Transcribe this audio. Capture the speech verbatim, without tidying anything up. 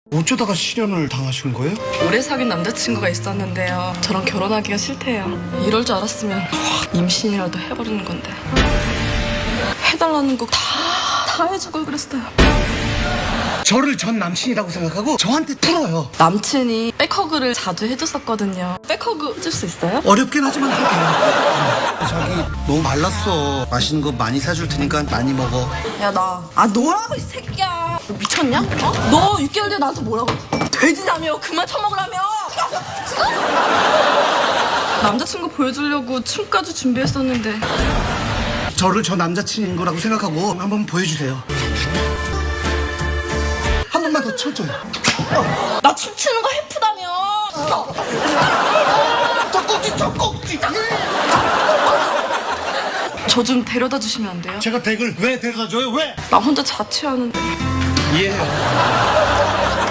어쩌다가 실연을 당하신 거예요? 오래 사귄 남자친구가 있었는데요. 저랑 결혼하기가 싫대요. 이럴 줄 알았으면 확 임신이라도 해버리는 건데. 해달라는 거 다 다 해주고 그랬어요. 저를 전 남친이라고 생각하고 저한테 풀어요. 남친이 백허그를 자주 해줬었거든요. 백허그 해줄 수 있어요? 어렵긴 하지만 할게요. 자기 너무 말랐어. 맛있는 거 많이 사줄 테니까 많이 먹어. 야, 나. 아, 너라고, 이 새끼야. 너 미쳤냐? 어? 너 육 개월 뒤에 나한테 뭐라고? 돼지라며. 그만 처먹으라며. 남자친구 보여주려고 춤까지 준비했었는데. 저를 저 남자친인 거라고 생각하고 한번 보여주세요. 한 번만 더 쳐줘요. 나 춤추는 거 해프다며. 젖꼭지 젖꼭지. 저 좀 데려다 주시면 안 돼요? 제가 댁을 왜 데려다 줘요? 왜? 나 혼자 자취하는데. 이해해요.